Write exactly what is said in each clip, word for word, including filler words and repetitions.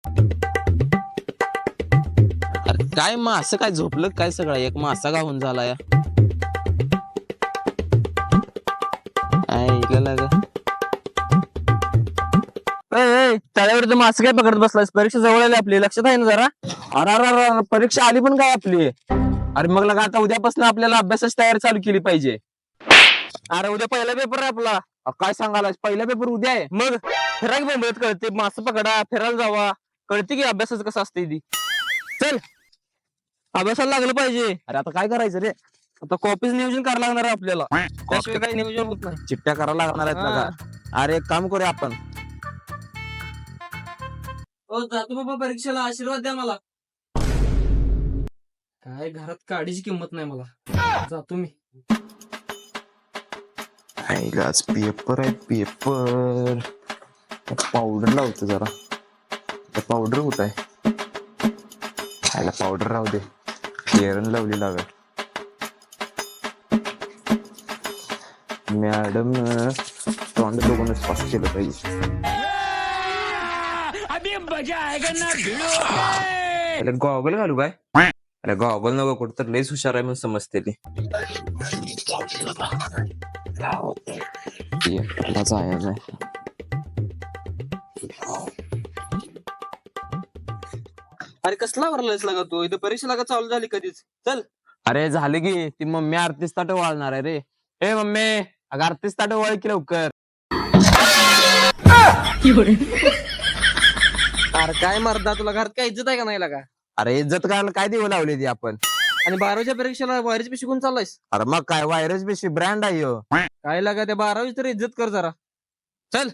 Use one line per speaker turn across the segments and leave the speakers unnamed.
अरे काय मासं काय झोपलं काय सगळं एक मासा गावून झाला या ऐकलं का
तळ्यावर मासे काय पकडत बसलास? परीक्षा जवळ आली आपली, लक्षात आहे ना जरा? अरे अरे अरे, परीक्षा आली पण काय आपली? अरे मग लगा आता उद्यापासून आपल्याला अभ्यासाची तयारी चालू केली पाहिजे. अरे उद्या पहिला पेपर आहे आपला. अ, काय सांगायला, पहिला पेपर उद्या आहे. मग फिरायला बोंबलत कळते, मासे पकडा, फिरायला जावा, कळते की अभ्यासाचं कसं असते ती. चल अभ्यासाला लागलं पाहिजे. अरे आता काय करायचं रे? आता कॉपीच नियोजन करायला लागणार आहे आपल्याला, त्याशिवाय काही नियोजन होत नाही. चिठ्ठ्या करायला लागणार आहेत ना का? अरे एक काम करूया आपण.
हो जातो बाबा परीक्षेला, आशीर्वाद द्या मला. काय घरात काडीची किंमत नाही मला, जातो मी.
आज पेपर आहे पेपर पावडर लावतो जरा. पावडर कुठ आहे? खायला पावडर राहू दे, फेअरन लावली लागेल. मॅडम तोंड बघूनच पास केलं पाहिजे. गॉगल घालू काय? अरे गॉगल नको, कुठं तर लईच हुशार आहे म्हणून समजते ती.
अरे कसला भरलायस लागा तू? इथं परीक्षा लागा चालू झाली कधीच. चल.
अरे झाले की ती मम्मी आरतीस ताट वाळणार आहे रे. ए मम्मी, अगं आरतीस ताट वाळ की लवकर.
अरे काय मर्दा, तुला घरात काय इज्जत आहे का नाही लागा?
अरे इज्जत करायला काय देऊ लावली ती आपण?
आणि बारावीच्या परीक्षेला वायरीच पे शिकून चाललायस?
अरे मग काय, व्हायरस बेशी ब्रँड आहे ह्यो.
काय लागा त्या बारावी तरी इज्जत कर जरा. चल.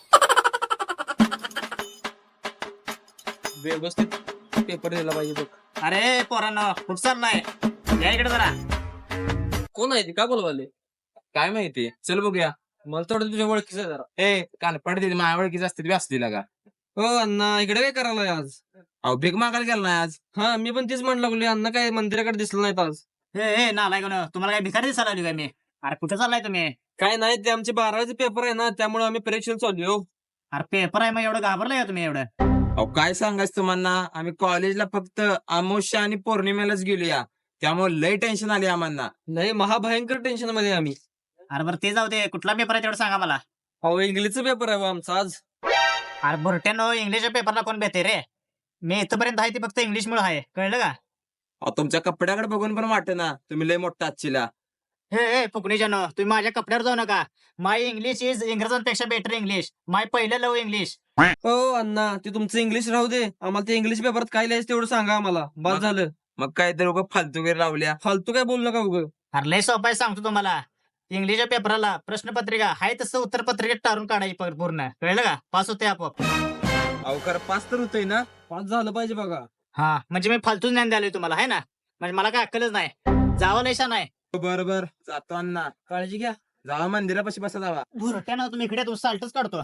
व्यवस्थित पेपर दिला पाहिजे बघ.
अरे पोरांनो, कुठं चाललाय? या इकडे जरा.
कोण आहे ती, का बोलवाले?
काय माहिती, चल बघूया.
मला थोडं तुझ्या ओळखीचं आहे जरा.
ए कानपड दिली माझ्या ओळखीच असते असते का?
हो अण्णा, इकडे काय करायला आज?
अहो भीक मागायला गेला नाही आज.
हा मी पण तेच म्हणलं लागलो, अण्णा काय मंदिराकडे दिसलं नाहीत आज.
हे हे नालाय कोण, तुम्हाला काय भिकारी दिसायला लागली काय मी? अरे कुठे चाललाय तुम्ही?
काय नाही, ते आमचे बारावीचे पेपर आहे ना, त्यामुळे आम्ही परीक्षेला चालू हो.
अरे पेपर आहे, मग एवढं घाबरलाय का तुम्ही एवढं?
अहो काय सांगायचं तुम्हाला, आम्ही कॉलेजला फक्त अमावस्या आणि पौर्णिमेलाच गेलोया, त्यामुळे लय टेन्शन आली आम्हाला.
नाही, महाभयंकर टेन्शन मध्ये आहे आम्ही.
अरे बरं ते जाऊ दे, कुठला पेपर आहे तेवढं सांगा मला.
अहो इंग्लिशचा पेपर आहे बा आमचा आज.
अरे भरट्यानो, इंग्लिशच्या पेपरला कोण भेटे रे? मी इथपर्यंत आहे ते फक्त इंग्लिश मुळे आहे, कळलं का?
अहो तुमच्या कपड्याकडे बघून पण वाटत ना तुम्ही लय मोठा आजचीला.
हे हे फुकणीच्यानो, तुम्ही माझ्या कपड्यावर जाऊ नका. माय इंग्लिश इज इंग्रजांपेक्षा बेटर इंग्लिश. माय पहिलं लव इंग्लिश.
हो अण्णा, ते तुमचं इंग्लिश राहू दे, आम्हाला ते इंग्लिश पेपरात काय लिहायचं तेवढं सांगा आम्हाला, बस झालं.
मग काय तर उगा फालतू वगैरे लावल्या.
फालतू काय बोलू नका उगं.
अरे लय सोपं आहे, सांगतो तुम्हाला. इंग्लिशच्या पेपराला प्रश्नपत्रिका आहे तसं उत्तरपत्रिकेत टाळून काढायची प- पूर्ण, कळलं का? पास होते आपोआप.
अहो खरं पास तर होतोय ना.
पास झालं पाहिजे बघा.
हा म्हणजे मी फालतू ज्ञान द्यालोय तुम्हाला, आहे ना? म्हणजे मला काय अक्कलच नाही. जावं लयशा नाही.
बरं बरं जातो अण्णा,
काळजी घ्या.
जावा मंदिरापाशी बसा जावा.
भुरट्या ना तुम्ही इकडे तू साल्टच काढतो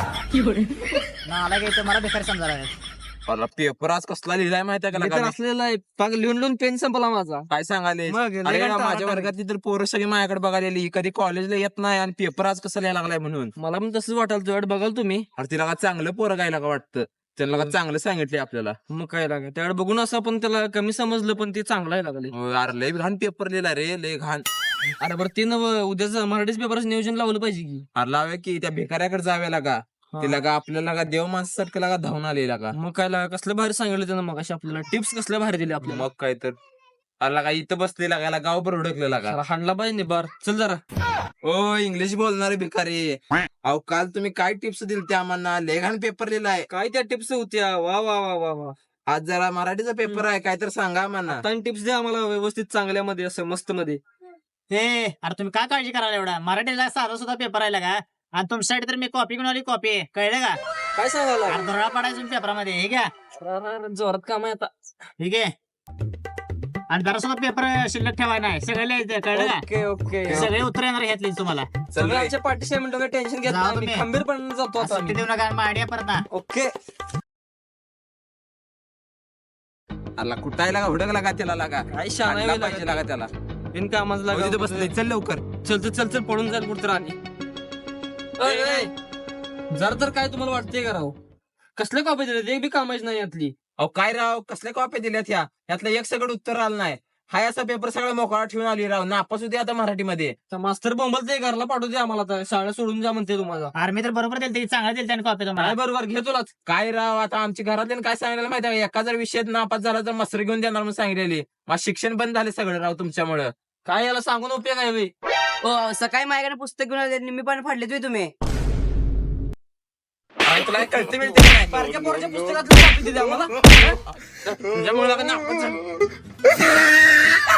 ना, आला काय मला बेकार समजा.
मला पेपर आज कसला लिहिलाय माहितीये का
मी तर
लगा?
असलेला आहे, पाग लिहून लिहून पेन संपला माझा.
काय सांगाले?
मग लय
अरे
कंटाळा
माझ्या
आला.
वर्गातली तर पोरं सगळी माझ्याकडे बघायला आली, कधी कॉलेजला येत नाही आणि पेपर आज कसं लिहायला लागलाय म्हणून.
मला पण तसंच वाटाल, तुझ्याकडे बघाल तुम्ही.
अरे तिला का चांगलं पोरं गायला का वाटतं, त्यांना का चांगलं सांगितले आपल्याला.
मग काय लागा, त्याकडे बघून असं आपण त्याला कमी समजलं, पण ते चांगलं आहे लागले.
हो, अरे लय घाण पेपर लिहिला रे, लय घाण.
अरे बरं ते नव उद्याचं मराठीच पेपरचं नियोजन लावलं पाहिजे की.
अरे लाव्या की त्या भिकाऱ्याकडे जाव्या लागा, तिला का आपल्याला का देव माणसासारखं लागा धावून आलेला का.
मग काय लागा, कसलं भारी सांगितलं त्यानं मग आपल्याला, टिप्स कसल्या भारी दिल्या आपल्याला.
मग काय तर अरे का इथं बसलेला का गाव पर हुडकलेला का.
जरा हाणला पाहिजे बार, चल जरा.
ओ इंग्लिश बोलणारे भिकारी, अहो काल तुम्ही काय टिप्स दिल त्या आम्हाला, लय घाण पेपर लिहिलाय.
काय त्या टिप्स होत्या, वा वा वा वा वा.
आज जरा मराठीचा पेपर आहे, काय तर सांगा आम्हाला.
टिप्स द्या आम्हाला व्यवस्थित चांगल्यामध्ये, असं मस्त मध्ये.
हे अरे तुम्ही काय काळजी करायला एवढा? मराठीला साधा सुद्धा पेपर आहे का? आणि तुमच्यासाठी तर मी कॉपी घेऊन आली, कॉपी, कळलं का?
काय सांगायला
अरे धोरणा पडायचं पेपरामध्ये, हे घ्या,
जोरात काम आहे आता.
ठीक आहे. आणि जरा सुद्धा पेपर शिल्लक ठेवाय नाही, सगळं लिहायचं, कळलं का?
Okay okay.
सगळे उत्तर येणार घेतली तुम्हाला.
चल रे.
आमच्या पाठीशी म्हणतो, काय टेन्शन घेत
जाऊ
नाही,
तुम्ही.
खंबीरपणे जातो आता
सुट्टी
आम्ही.
देऊ नका, आयडिया परत ना.
ओके.
अरे कुठायला का हुडकला का त्याला लागा,
काय शाळा
आणला पाहिजे लागा त्याला.
बिन कामाचं
हो, तिथं
लागा
बसलंय, चल लवकर.
चल चल चल चल, पडून जाईल कुठं आणि. जर तर काय तुम्हाला वाटतंय का राव? कसल्या कॉपी दिल्या एक बी कामाची नाही यातली.
अहो काय राव कसल्या कॉप्या दिल्यात ह्या ह्यातलं एक सगळं उत्तर आलं नाही. हाय असा पेपर सगळा मोकळा ठेवून आली राव नापास होते आता मराठीमध्ये.
मास्तर बोंबल ते घरला पाठवते आम्हाला आता शाळा सोडून जा म्हणते तुम्हाला.
आर्मी तर बरोबर दिली चांगला दिली त्याने कॉपी
काय
तुम्हाला.
बरोबर घे तुलाच.
काय राव आता आमच्या घरातल्या काय सांगितलं माहिती आहे एका जर विषयात नापास झाला तर मस्तर घेऊन देणार म्हणून सांगितलेली. माझं शिक्षण बंद झाले सगळं राव तुमच्यामुळं.
काय याला सांगून उपयोग आहे बे?
हो सकाळी माझ्याकडे पुस्तक घेऊन आले निम्मी पण फाडले तुम्ही तुम्ही
काय तुला कळते मिळते का नाही?
बारक्या पोराच्या पुस्तकातली कॉपी दिली आम्हाला.
तुझ्यामुळे नापास झालो.